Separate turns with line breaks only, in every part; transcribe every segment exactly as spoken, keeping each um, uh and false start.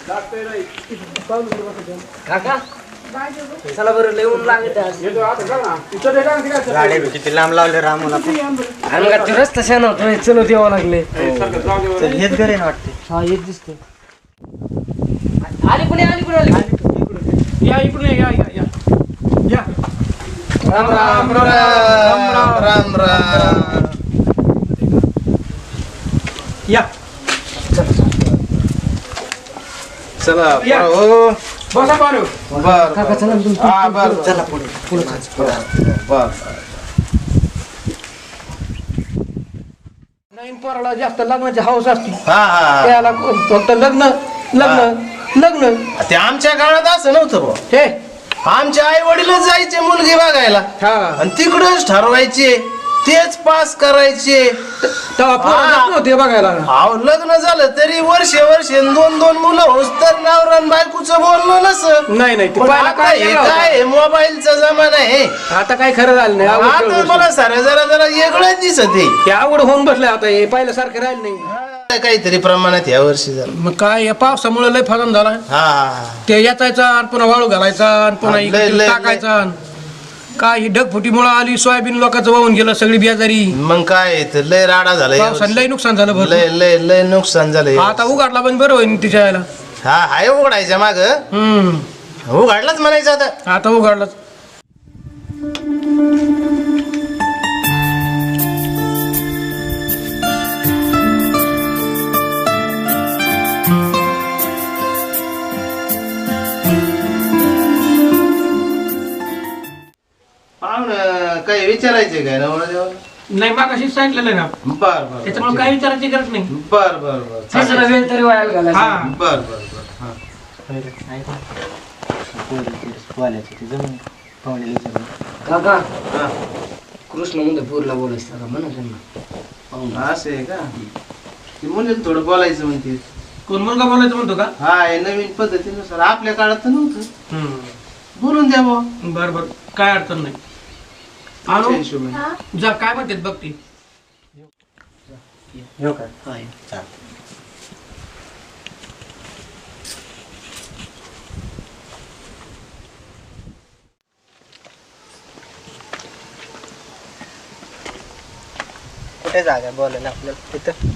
काका चला बरं लिहून लागत
गाडी किती लांब लावले रामूला
रस्ता शान होतो चलो द्यावं लागले
हेच घरी ना वाटते
हा येत दिसतोय आली कुणी आली कुणी आली
या इकडून या या या या
राम राम राम राम राम
या
चला
या.
हो
बसा पारू
बर
काका चला तुम्ही
हा बर
चला पुढे पुढे
बर
नवीन पोराला जास्त लग्नाची हौस असते
हा हा
त्याला फक्त लग्न लग्न लग्न
ते आमच्या काळात असं नव्हतं भाऊ
हे
आमच्या आई वडीलच जायचे मुलगी बघायला
हा
आणि तिकडच ठरवायचे तेच पास करायचे
तेव्हा पोरं जात नव्हते बघायला
अहो लग्न झालं तरी वर्षे वर्षे दोन दोन मुलं होस तर नवरा बायकोचं बोलणं नसं
नाही नाही ते
पण
पहिला
आता
काय
हे
वेगळा होता.
काय मोबाईलचा जमाना आहे
आता काय खरं झालं नाही अवघड
आता
गोष्ट.
मला सारं जरा जरा वेगळंच दिसत आहे
हे अवघड होऊन बसलंय आता हे पहिल्यासारखं राहिलं नाही
काहीतरी प्रमाणात या वर्षी झालं
मग काय या पावसामुळे लय फगन झाला
हा हा
ते याचायचा आणि पुन्हा वाळू घालायचा आणि पुन्हा
लय-
इकडे
लय-
टाकायचा काय ही ढगफुटीमुळे आली सोयाबीन लोकांचं वाहून गेलं सगळी बियाजारी
मग काय तर लय राडा झाला या
पावसाने लय
वर्षी.
नुकसान झालं भरपूर
लय लय लय नुकसान झालं
आता उघडला पण बरं होईल तिच्या यायला
हा हाय उघडायच्या माग
हम्म
उघडलाच म्हणायचं आता
आता उघडलाच
पाहुणं काही विचारायचे काय नवरा देवा
नाही मग अशी सांगितलेलं आहे ना
बर बर
त्याच्यामुळे काय विचारायची गरज नाही
बर बर बर
तिसरा वेळ तरी वायाला घालायचा
हा
बर बर बर हा
काका
हा.
कृष्ण म्हणजे पूरला बोलायचं का म्हणा त्यांना
असं आहे का ती मुलीला थोडं बोलायचं म्हणते
कोण मुलगा बोलायचं म्हणतो का
हा हे नवीन पद्धतीनुसार आपल्या काळात तर नव्हतं बोलून द्या बुवा.
बर बर काय अडचण नाही आणू
त्या हिशोबाने.
जा काय म्हणतात बघ ती
कुठे जागा बोलायला आपल्याला तिथं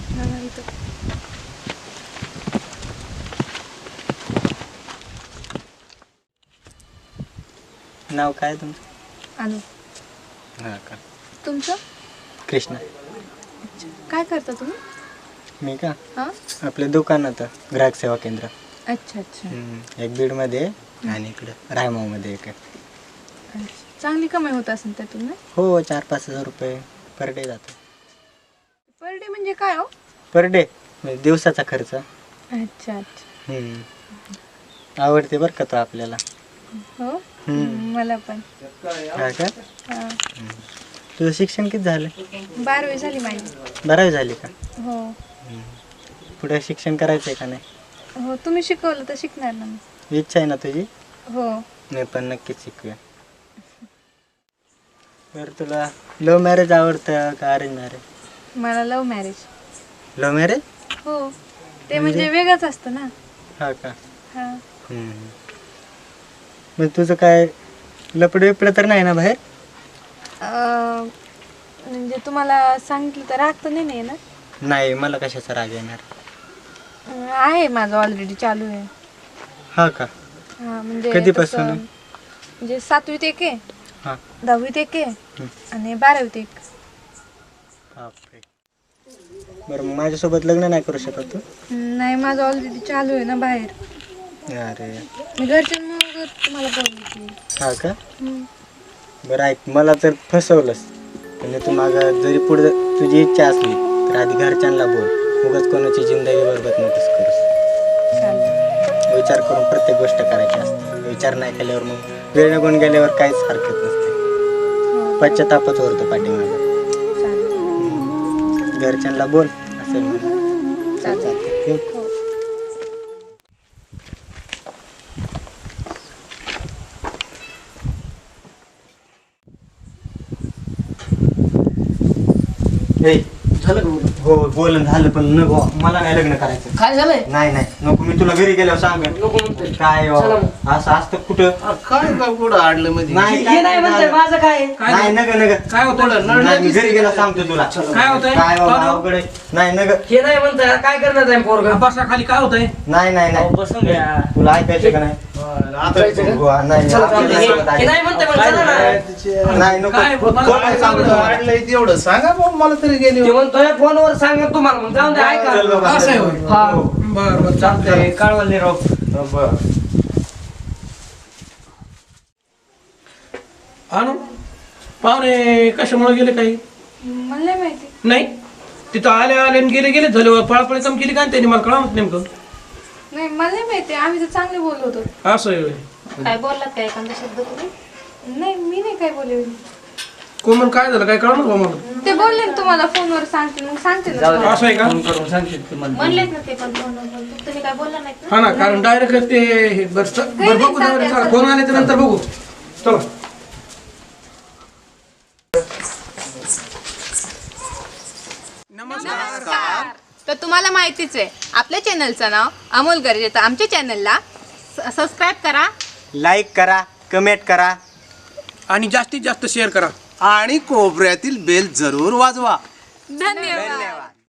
नाव काय तुमचं
अनु
हा का
तुमचं
कृष्णा
काय करता तुम्ही
मी का
हां
आपल्या दुकानात ग्राहक सेवा केंद्र
अच्छा अच्छा
हम्म, एक बीडमध्ये आहे आणि इकडं रायमावमध्ये एक आहे.
अच्छा. चांगली कमाई होत असेल त्यातून ना
हो चार पाच हजार रुपये पर डे जातो
पर डे म्हणजे काय हो
पर डे म्हणजे दिवसाचा खर्च
अच्छा अच्छा
हम्म. आवडते बरं का तो आपल्याला
हो
हम्म.
मला पण
हा का
हां
तुझं शिक्षण किती झालं
बारावी झाली माझी
बारावी झाली का
हो
पुढे शिक्षण करायचं आहे का नाही
हो तुम्ही शिकवलं तर शिकणार ना मी
इच्छा आहे ना तुझी
हो
मी पण नक्कीच शिकूया बरं तुला लव्ह मॅरेज आवडतं का अरेंज मॅरेज
मला लव्ह मॅरेज
लव्ह मॅरेज
हो ते म्हणजे वेगळंच असतं ना
हा का
हां
हम्म. मग तुझं काय लपड बिपड तर नाही ना बाहेर
अं, म्हणजे तुम्हाला सांगितलं तर राग तर नाही नाही ना
नाही मला कशाचा राग येणार
अं, आहे माझं ऑलरेडी चालू आहे
हा का
हां म्हणजे
कधीपासून?
तसं- म्हणजे सातवीत एक आहे
हा
दहावीत एक आहे आणि बारावीत एक
बापरे. बरं मग माझ्यासोबत लग्न नाही करू शकत तू
नाही माझं ऑलरेडी चालू आहे ना बाहेर
अरे
मी घरच्यांमुळे तुम्हाला बोलली
हा का बरं ऐक मला तर फसवलंस म्हणजे तू माझा जरी पुढे तुझी इच्छा असली तर आधी घरच्यांना बोल उगाच कोणाची जिंदगी बरबत नकोस करूस विचार करून प्रत्येक गोष्ट करायची असते विचार नाही केल्यावर मग वेळ निघून गेल्यावर काहीच हरकत नसते पश्चातापच उरतो पाठीमागं घरच्यांना बोल असेल म्हणून चालतं ठेवू?
झालं का
हो बोलणं झालं पण नको मला नाही लग्न करायचं.
काय झालंय?
नाही नाही नको मी तुला घरी गेल्यावर सांग.
नको म्हणतोय.
काय हो,
चला मग.
असं असतं कुठं
काय काय कुठं आडलं मध्ये
नाही
हे नाही म्हणतोय माझं काय?
काय
नाही नग नग
काय होतं?
नाही, मी घरी गेला सांगतो तुला
काय होतंय?
काय बाबा
पाहतो.
अवघड आहे. नाही नग
हे नाही म्हणतोय काय करणार आहे पोरगा?
बसा खाली काय होतंय?
नाही नाही नाही
बसून घ्या.
तुला ऐकायचं का नाही
आता
हो, नाही
चला
आपल्याला
चालतंय.
सांगत
हे
आहे.
नाही म्हणतोय मग चला ना.
नाही नको
काय? मला
कोण
काय
सांगतो
सांगतो?
आडलंय तेवढं सांगा मग मला तरी गेली
ते म्हणतोय फोनवर सांगा तुम्हाला मग जाऊन दे ऐका.
चल बाबा.
असं आहे होय.
हा
बरं बरं चालतंय.
चालतंय कळवले राव.
बरं.
आणू पाहुणे कशामुळे गेले काही
मला नाही माहिती.
नाही तिथं आले आले आणि गेले गेले झाले पळापळी कम केली का त्यांनी मला कळवत नेमकं
नाही मला नाही माहिती. आम्ही तर चांगले बोललो होतो.
असं आहे होय.
काय बोललात काय एखादा शब्द तुम्ही?
नाही मी नाही काय बोलले.
कोमल काय झालं काय कळणार बा मला
ते बोलले ना तुम्हाला फोनवर सांगते मग सांगते ना
जाऊ दे.
तुम्हाला.
असं आहे का?
फोन करून सांगशील की मला.
म्हणलेत ना ते पण फोनवर पण. तुम्ही काय बोलला नाहीत ना?
हा ना कारण डायरेक्ट ते हे बरं च- बरं बघू जाऊ चला, फोन आले तर नंतर बघू चला.
नमस्कार. तर तुम्हाला माहितीच आहे आपल्या चॅनलचं नाव अमोल गरजे. तर आमच्या चॅनलला सबस्क्राईब करा.
लाईक करा कमेंट करा
आणि जास्तीत जास्त शेअर करा.
आणि कोपऱ्यातील बेल जरूर वाजवा.
धन्यवाद.
धन्यवाद.